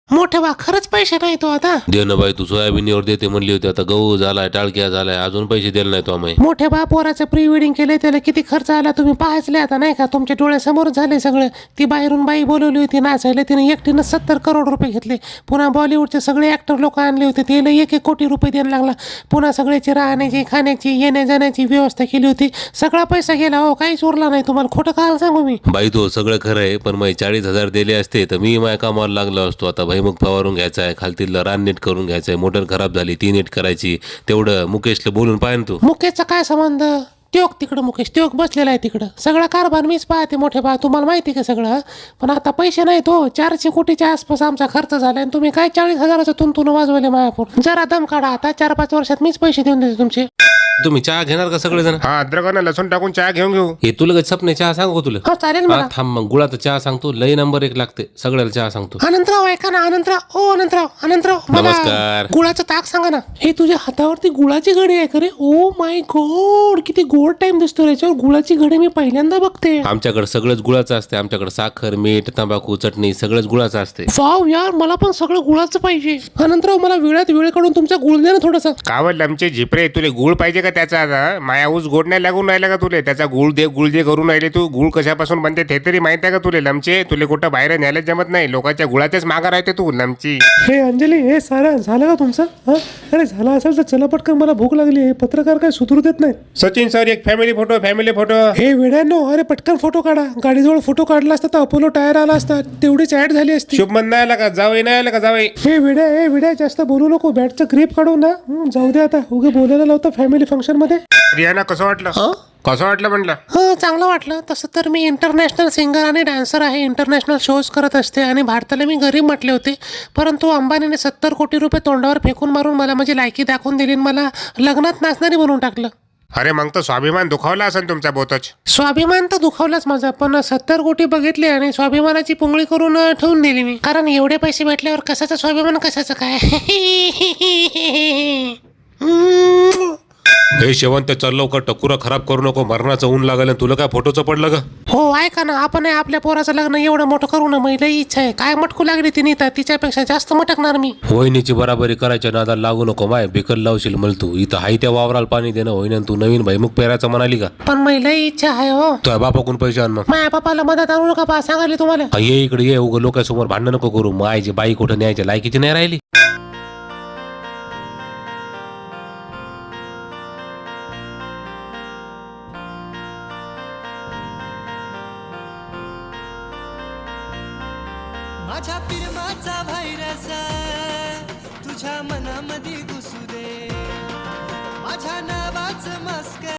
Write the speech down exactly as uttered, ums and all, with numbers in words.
मोठे बा खरंच पैसे नाही तो आता दे ना बाई, तू सोयाबीनवर देते म्हणली होती, आता गहू झालाय, टाळक्या झालाय, अजून पैसे दिले नाही तो आम्ही. मोठे बा पोराचं प्री वेडिंग केले त्याला किती खर्च आला तुम्ही पाहायचले आता नाही का, तुमच्या डोळ्यासमोर झाले सगळं. ती बाहेरून बाई बोलवली होती नाचायला, तिने एकटीनं सत्तर करोड रुपये घेतले. पुन्हा बॉलिवूडचे सगळे ऍक्टर लोक आणले होते, त्याला एक एक कोटी रुपये द्यायला लागला. पुन्हा सगळ्याची राहण्याची खाण्याची येण्या जाण्याची व्यवस्था केली होती. सगळा पैसा गेला हो, काहीच उरला नाही. तुम्हाला खोटं काय सांगू मी. बाई तो सगळं खरं आहे, पण मग चाळीस हजार दिले असते तर मी माझ्या कामाला लागलो असतो. आता भैमुख फवारून घ्यायचा आहे, खालतील रान नीट करून घ्यायचं आहे, मोटर खराब झाली ती नीट करायची, तेवढं मुकेशला बोलून पाहिजे तू. मुकेशचा काय संबंध, त्योक तिकडं मुकेश त्योक बसलेला आहे तिकडं. सगळा कारभार मीच पाहते मोठे बा, तुम्हाला माहिती का सगळं. पण आता पैसे नाही तो, चारशे कोटीच्या आसपास आमचा खर्च झाला आणि तुम्ही काय चाळीस हजाराचं तुंतून वाजवले मायापूर. जरा दम काढा आता, चार पाच वर्षात मीच पैसे देऊन देते तुमचे. तुम्ही चहा घेणार का सगळेजण? हा, अद्रक आणि लसूण टाकून चहा घेऊन घेऊ. हे तुला लगेच सपने चहा सांगू तुला? हो चालेल हा, मला. थांब मग गुळाचा चहा सांगतो, लई नंबर एक लागते, सगळ्याला चहा सांगतो. अनंतराव ऐका ना, अनंतराव ओ अनंतराव अनंतराव मला नमस्कार. गुळाचं ताक सांगा ना. हे तुझ्या हातावरती गुळाची घडी आहे का रे? ओ माय गॉड, किती गोड टाइम दिसतो याच्यावर. गुळाची घडी मी पहिल्यांदा बघते. आमच्याकडे सगळंच गुळाचं असते, आमच्याकडे साखर, मीठ, तंबाखू, चटणी सगळंच गुळाचं असते. वाव यार, मला पण सगळं गुळाचं पाहिजे. अनंतराव मला वेळात वेळ काढून तुमचा गुळ द्या ना थोडासा. कावड आमचे झिपरे, तुले गुळ पाहिजे का त्याचा? आता माया ऊस गोड नाही लागून राहिला का तुले? त्याचा गुळ दे गुळ दे करून राहिले तू. गुळ कशापासून बनते ते तरी माहित आहे का तुले? लमचे तुले कुठं बाहेर न्यायला जमत नाही, लोकांच्या गुळाच्याच मागा राहते तू लमची. हे अंजली, हे सारा झालं का तुमचं? हा अरे झालं असेल तर चला पटकन, मला भूक लागली. हे पत्रकार काय सुधरू देत नाहीत. सचिन सर, एक फॅमिली फोटो, फॅमिली फोटो. हे वेड्यानो, अरे पटकन फोटो काढा. गाडीजवळ फोटो काढला असता तर अपोलो टायर आला असता, तेवढीच ऍड झाली असती. शुभमन नाही आला का? जावई नाही आला का? जावई. हे विड्या हे विड्या जास्त बोलू नको. बॅटचं ग्रीप काढून ना, हं, जाऊ दे आता. उगे बोलायला लावतं फॅमिली फंक्शन मध्ये. रियाना कसं वाटलं? कसं वाटलं म्हटलं? हो चांगलं वाटलं. तसं तर मी इंटरनॅशनल सिंगर आणि डान्सर आहे, इंटरनॅशनल शोज करत असते आणि भारताला मी गरीब म्हटले होते. परंतु अंबानीने सत्तर कोटी रुपये तोंडावर फेकून मारून मला माझी लायकी दाखवून दिली, मला लग्नात नाचणारी म्हणून टाकलं. अरे मग तर स्वाभिमान दुखावला असेल तुमचा बोतच. स्वाभिमान तर दुखावलाच माझा, पण सत्तर कोटी बघितले आणि स्वाभिमानाची पुंगळी करून अं, ठेवून दिली मी. कारण एवढे पैसे भेटल्यावर कशाचा स्वाभिमान, कशाचं काय. हे शेवंत चल लवकर, टकुरा खराब करू नको, मरणाचं ऊन लागलं. तुला काय फोटोचं पडलं का? हो ऐका ना, आपण आपल्या पोराचं लग्न एवढं मोठं करू ना. महिला इच्छा आहे. काय मटकू लागली ती नीता, तिच्यापेक्षा जास्त मटकणार मी. वहिनीची बराबरी करायच्या नादाला लागू नको माय, बिकल लावशील मल तू. इथं हाय त्या वावराला पाणी देणं होईन, तू नवीन भैमुख पेरायचं म्हणाली का? पण महिला इच्छा आहे हो. तुझ्या बापाकडून पैसे आण मग. माझ्या पप्पाला मदत आणू नका पा, सांगायला तुम्हाला. हा, ये इकडे ये, उगं लोकांसमोर भांडण नको करू. मायची बाई कुठं न्यायच्या लायकीची नाही राहिली. माझ्या प्रेमाचा व्हायरस तुझ्या मनामध्ये घुसू दे, माझ्या नावाचं मस्कर